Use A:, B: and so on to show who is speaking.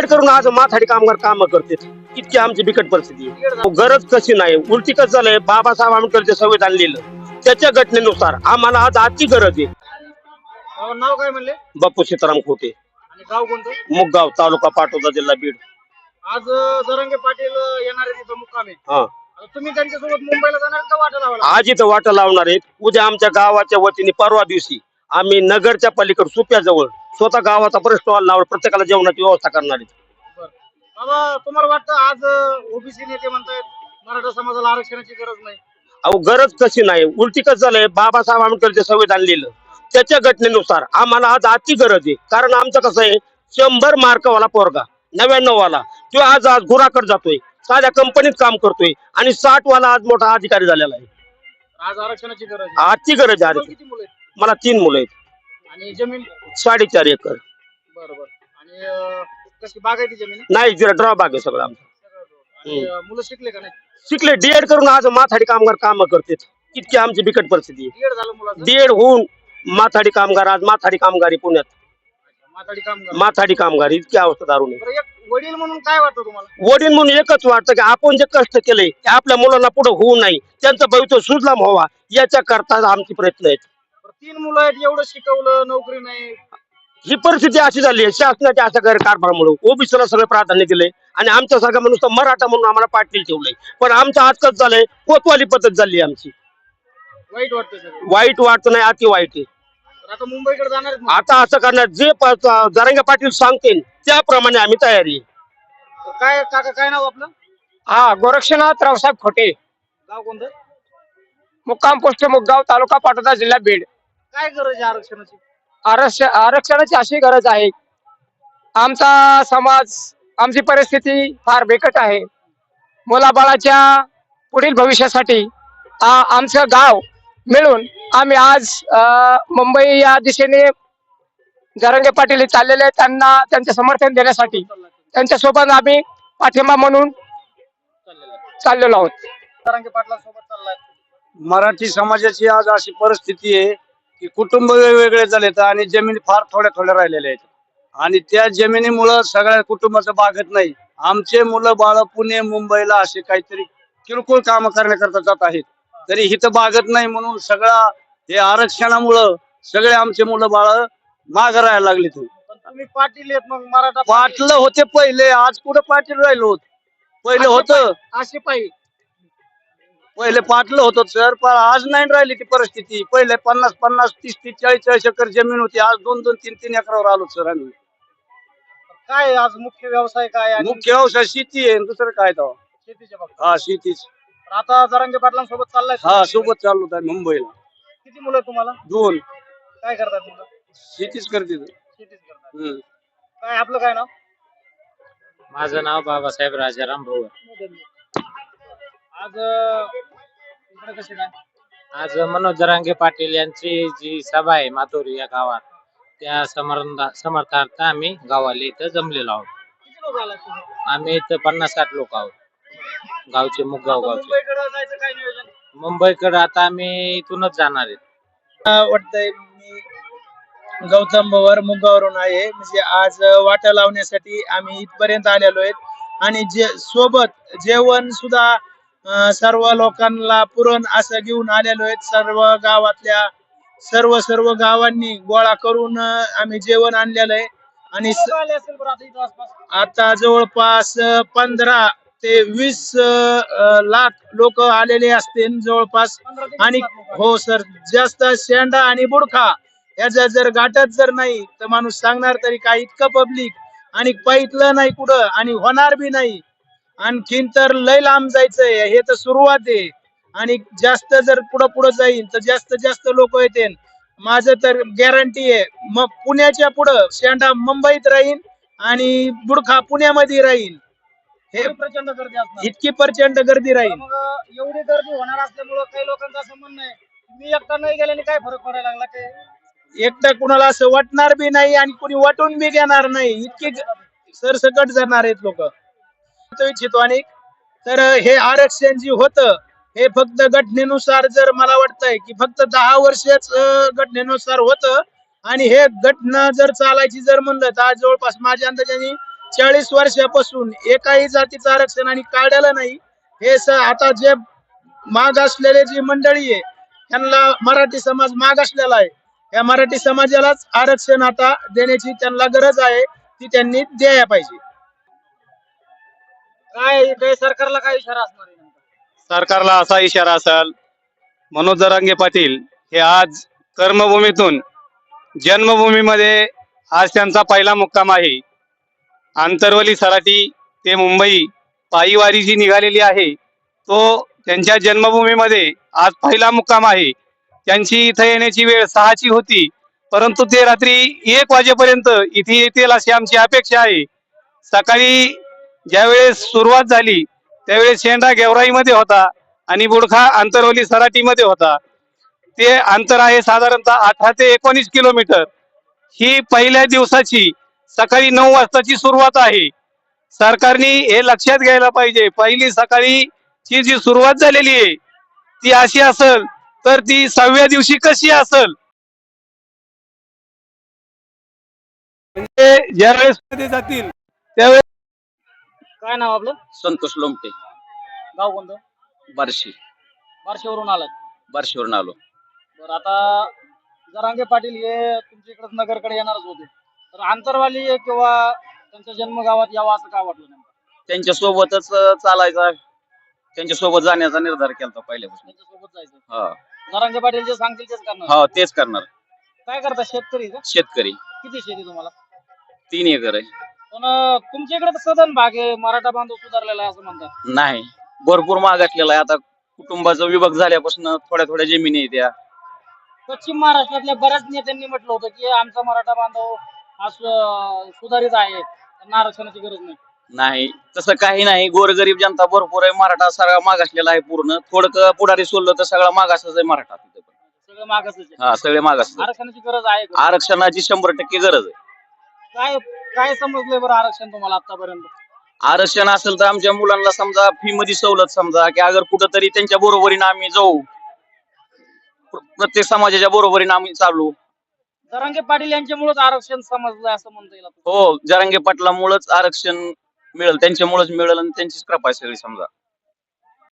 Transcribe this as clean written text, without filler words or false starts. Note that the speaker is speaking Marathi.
A: डिएड करून आज माथाडी कामगार काम करते. इतकी आमची बिकट परिस्थिती आहे. गरज कशी नाही, उलटी कसं झालंय, बाबासाहेब आंबेडकर जे संविधान लिहिलं त्याच्या घटनेनुसार आम्हाला आज आजची गरज आहे.
B: नाव काय म्हणले?
A: बापू सीताराम खोटे,
B: आणि गाव कोणतं?
A: मुगगाव, तालुका पाटोदा, जिल्हा बीड.
B: आज जरांगे पाटील येणार आहे तिथं मुक्कामी.
A: हा,
B: आता तुम्ही त्यांच्यासोबत मुंबईला जाणार का वाटा लावायला?
A: आज इथं वाटा लावणार आहेत. उद्या आमच्या गावाच्या वतीने परवा दिवशी आम्ही नगरच्या पलीकडे सुप्याजवळ स्वतः गावाचा परत स्टॉल लावून प्रत्येकाला जेवणाची व्यवस्था करणार आहेत.
B: बरं. बाबा, तुम्हाला वाटतं आज ओबीसी नेते म्हणतायत मराठा समाजाला आरक्षणाची गरज नाही?
A: अहो, गरज कशी नाही, उलटी कसं झालंय, बाबासाहेब आंबेडकर जे संविधान लिहिलं त्याच्या घटनेनुसार आम्हाला आज आजची गरज आहे. कारण आमचं कसं आहे, 100 मार्कवाला पोरगा 99 वाला तो आज गुराकडे जातोय, साध्या कंपनीत काम करतोय, आणि 60 वाला आज मोठा अधिकारी झालेला आहे.
B: आज आरक्षणाची गरज आहे.
A: आजची गरज आहे.
B: तुम्हाला किती मुलं आहेत?
A: मला 3 मुलं आहेत.
B: आणि जमीन?
A: 4.5 एकर.
B: बरोबर. आणि कशी बागायती जमीन आहे?
A: नाही, जरा ड्रॉबॅक आहे सगळं आमचं.
B: आणि मुलं शिकले का नाही?
A: शिकले, डीएड करून आज माथाडी कामगार काम करते. इतकी आमची बिकट परिस्थिती आहे.
B: डीएड झालं मुलाचं?
A: डीएड होऊन माथाडी कामगार आज माथाडी कामगारी पुण्यात
B: माथाडी कामगार.
A: माथाडी कामगार इतकी अवस्था दारुण आहे.
B: बरं, एक वडील म्हणून काय वाटतं तुम्हाला?
A: वडील म्हणून एकच वाटतं की आपण जे कष्ट केले ते आपल्या मुलांना पुढे होऊ नये, त्यांचं भविष्य सुजलाम व्हावा याच्या करता आमचे प्रयत्न आहेत.
B: बरं, 3 मुलं आहेत, एवढं शिकवलं, नोकरी नाही.
A: ही परिस्थिती अशी झाली आहे शासनाच्या अशा गैरकारभारामुळे. ओबीसीला सगळे प्राधान्य दिले आणि आमच्या सगळ्या नुसतं मराठा म्हणून आम्हाला पाटील ठेवलंय. पण आमचं आज कसं झालंय, कोतवाली पद्धत झाली आमची.
B: वाईट वाटतं सगळं.
A: वाईट वाटतं नाही, अति वाईट आहे.
B: तर आता मुंबईकडे जाणार आहेत मग?
A: आता असं करणार, जे जरांगे पाटील सांगतील त्याप्रमाणे आम्ही तयारी आहे.
B: तर काय काका, काय नाव आपलं?
C: हा, गोरक्षनाथ रावसाहेब खोटे,
B: गाव कोणतं?
C: मुक्काम पोस्ट मुगगाव, तालुका पाटोदा, जिल्हा बीड.
B: काय गरज आहे आरक्षणाची?
C: आरक्षणाची अशी गरज आहे, आमचा समाज, आमची परिस्थिती फार बिकट आहे. मुलाबाळाच्या पुढील भविष्यासाठी आमचं गाव मिळून आम्ही आज मुंबई या दिशेने जरांगे पाटील चाललेले, त्यांना त्यांचे समर्थन देण्यासाठी त्यांच्यासोबत आम्ही पाठिंबा म्हणून चाललेलो आहोत.
B: जरांगे पाटलांसोबत चाललाय.
D: मराठी समाजाची आज अशी परिस्थिती आहे की कुटुंब वेगवेगळे झालेत आणि जमिनी फार थोड्या थोड्या राहिलेल्या आहेत, आणि त्या जमिनीमुळं सगळ्या कुटुंबाचं बागत नाही. आमचे मुलं बाळ पुणे मुंबईला असे काहीतरी किरकोळ काम करण्याकरता जात आहेत, तरी हिथं बागत नाही. म्हणून सगळा हे आरक्षणामुळं सगळे आमचे मुलं बाळ माग राहायला लागले.
B: पण तुम्ही पाटील आहेत, मग मराठा
D: पाटलं होते पहिले, आज कुठं पाटील राहिलो होत? पहिले होतं,
B: अशी पाहिजे.
D: पहिले पाटलं होतं सर, पण आज नाही राहिली ती परिस्थिती. पहिले 50-50, 30-30, 40-40 एकर जमीन होती, आज 2-2, 3-3 एकरावर आलो सर आम्ही.
B: काय आज मुख्य व्यवसाय काय आणि
D: मुख्य व्यवसाय शेती आहे, दुसरं काय तो?
B: शेतीच्या बाबतीत?
D: हा, शेतीच.
B: तर आता जरांगे पाटलांसोबत चाललाय?
D: हा, सोबत चाललो होता मुंबईला.
B: किती मुलं आहेत तुम्हाला?
D: 2.
B: काय करतात मुलं?
D: शेतीच करते.
B: शेतीच करतात. काय आपलं काय नाव?
E: माझं नाव बाबासाहेब राजाराम भोवर.
B: आज इकडे कसे काय?
E: आज मनोज जरांगे पाटील यांची जी सभा आहे मातोरी या गावात, त्या समर्थार्थ आम्ही गावाला इथं जमलेलो आहोत.
B: किती लोक आलात तुम्ही?
E: आम्ही इथं 50-60 लोक आहोत, गावचे, मुगगाव
B: आता
E: गावचे.
B: मुंबईकडे जायचं काय नियोजन?
E: मुंबईकडे आता आम्ही इथूनच जाणार आहेत.
B: वाटतंय मी गौतम भवर मुंगावरून आहे. म्हणजे आज वाटा लावण्यासाठी आम्ही इथपर्यंत आलेलो आहेत, आणि जे सोबत जेवण सुद्धा सर्व लोकांना पुरण असं घेऊन आलेलो आहेत. सर्व गावातल्या सर्व गावांनी गोळा करून आम्ही जेवण आणलेलं आहे. आणि आता जवळपास 15 ते 20 लाख लोक आलेले असतील जवळपास. आणि हो सर, जास्त शेंडा आणि बुडखा याचा जर गाठत जर नाही तर माणूस सांगणार तरी काय, इतकं पब्लिक. आणि पाहितलं नाही कुठं आणि होणार बी नाही. आणखीन तर लय लांब जायचंय, हे तर सुरुवात आहे. आणि जास्त जर पुढं जाईल तर जास्त लोक येतील. माझं तर गॅरंटी आहे, मग पुण्याच्या पुढं शेंडा मुंबईत राहील आणि बुडखा पुण्यामध्ये राहील. हे प्रचंड गर्दी असणार.
D: इतकी प्रचंड गर्दी राहील.
B: मग एवढी गर्दी होणार असल्यामुळं काही लोकांचं असं म्हणणं आहे, मी एकटा नाही गेल्याने काय फरक पडायला लागला? ते
D: एकटं कुणाला असं वाटणार बी नाही आणि कुणी वाटून बी घेणार नाही, इतकी सरसकट जाणार आहेत लोक. इच्छितो. आणि तर हे आरक्षण जे होतं हे फक्त घटनेनुसार, जर मला वाटतंय की फक्त 10 वर्षच घटनेनुसार होतं, आणि हे घटना जर चालायची जर म्हणलं तर आज जवळपास माझ्या अंदाजाने
B: 40 वर्षापासून एकाही जातीचं आरक्षण आणि काढलेलं नाही. हे आता जे माग असलेले जी मंडळी आहे त्यांना मराठी समाज माग असलेला आहे. या मराठी समाजालाच आरक्षण आता देण्याची त्यांना गरज आहे, ती त्यांनी द्यायला पाहिजे.
C: काय सरकारला काय इशारा असणार आहे?
D: सरकारला असा इशारा असेल, मनोज जरांगे पाटील हे आज कर्मभूमीतून जन्मभूमीमध्ये आज त्यांचा पहिला मुक्काम आहे. आंतरवली सराटी ते मुंबई पायीवारी जी निघालेली आहे तो त्यांच्या जन्मभूमीमध्ये आज पहिला मुक्काम आहे. त्यांची इथे येण्याची वेळ 6ची होती, परंतु ते रात्री 1 वाजेपर्यंत इथे येतील अशी आमची अपेक्षा आहे. सकाळी ज्यावेळेस सुरुवात झाली त्यावेळेस शेंडा गेवराईमध्ये होता आणि बुडखा आंतरवली सराटीमध्ये होता. ते अंतर आहे साधारणतः 18 ते 19 किलोमीटर. ही पहिल्या दिवसाची सकाळी 9 वाजताची सुरुवात आहे. सरकारने हे लक्षात घ्यायला पाहिजे. पहिली सकाळीची जी सुरुवात झालेली आहे ती अशी असेल तर ती 6व्या दिवशी कशी असेल. म्हणजे ज्यावेळेस मध्ये जातील त्यावेळेस.
C: काय नाव आपलं?
F: संतोष लोमटे,
C: गाव कोणतं?
F: बार्शी.
C: बार्शीवरून आलात?
F: बार्शीवरून आलो.
C: बरं, आता जरांगे पाटील हे तुमच्या इकडे नगरकडे येणारच होते, तर आंतरवाली किंवा त्यांच्या जन्मगावात यावं असं का वाटलं नेमकं?
F: त्यांच्या सोबतच चालायचा, त्यांच्या सोबत जाण्याचा निर्धार केला पहिल्यापासून.
C: त्यांच्यासोबत जायचं.
F: हा
C: जरांगे पाटील जे सांगतील तेच करणार.
F: हा तेच करणार.
C: काय करता, शेतकरी का?
F: शेतकरी.
C: किती शेती तुम्हाला?
F: 3 एकर आहे.
C: पण तुमच्या इकडे तर सदन भाग आहे, मराठा बांधव सुधारलेला आहे असं म्हणतात.
F: नाही, भरपूर मागासलेला आहे. आता कुटुंबाचा विभाग झाल्यापासून थोड्या थोड्या जमिनी आहेत त्या.
C: पश्चिम महाराष्ट्रातल्या बऱ्याच नेत्यांनी म्हटलं होतं की आमचा मराठा बांधव हा सुधारित आहे, त्यांना आरक्षणाची गरज नाही.
F: नाही, तसं काही नाही. गोरगरीब जनता भरपूर आहे. मराठा सगळा मागासलेला आहे पूर्ण. थोडं पुढारी सोडलं तर सगळा मागासच आहे मराठा तिथे पण.
C: सगळं मागासच आहे.
F: हा, सगळे मागास.
C: आरक्षणाची गरज आहे का?
F: आरक्षणाची 100% गरज आहे.
C: काय काय समजलंय बरं आरक्षण तुम्हाला आतापर्यंत?
F: आरक्षण असेल तर आमच्या मुलांना समजा फी मध्ये सवलत, समजा की अगर कुठंतरी त्यांच्या बरोबरीने आम्ही जाऊ, प्रत्येक समाजाच्या बरोबरीने आम्ही चालू.
C: जरांगे पाटील यांच्यामुळेच आरक्षण समजलंय असं म्हणता येईल.
F: हो, जरांगे पाटलामुळेच आरक्षण मिळेल, त्यांच्यामुळेच मिळेल आणि त्यांचीच कृपा आहे सगळी समजा.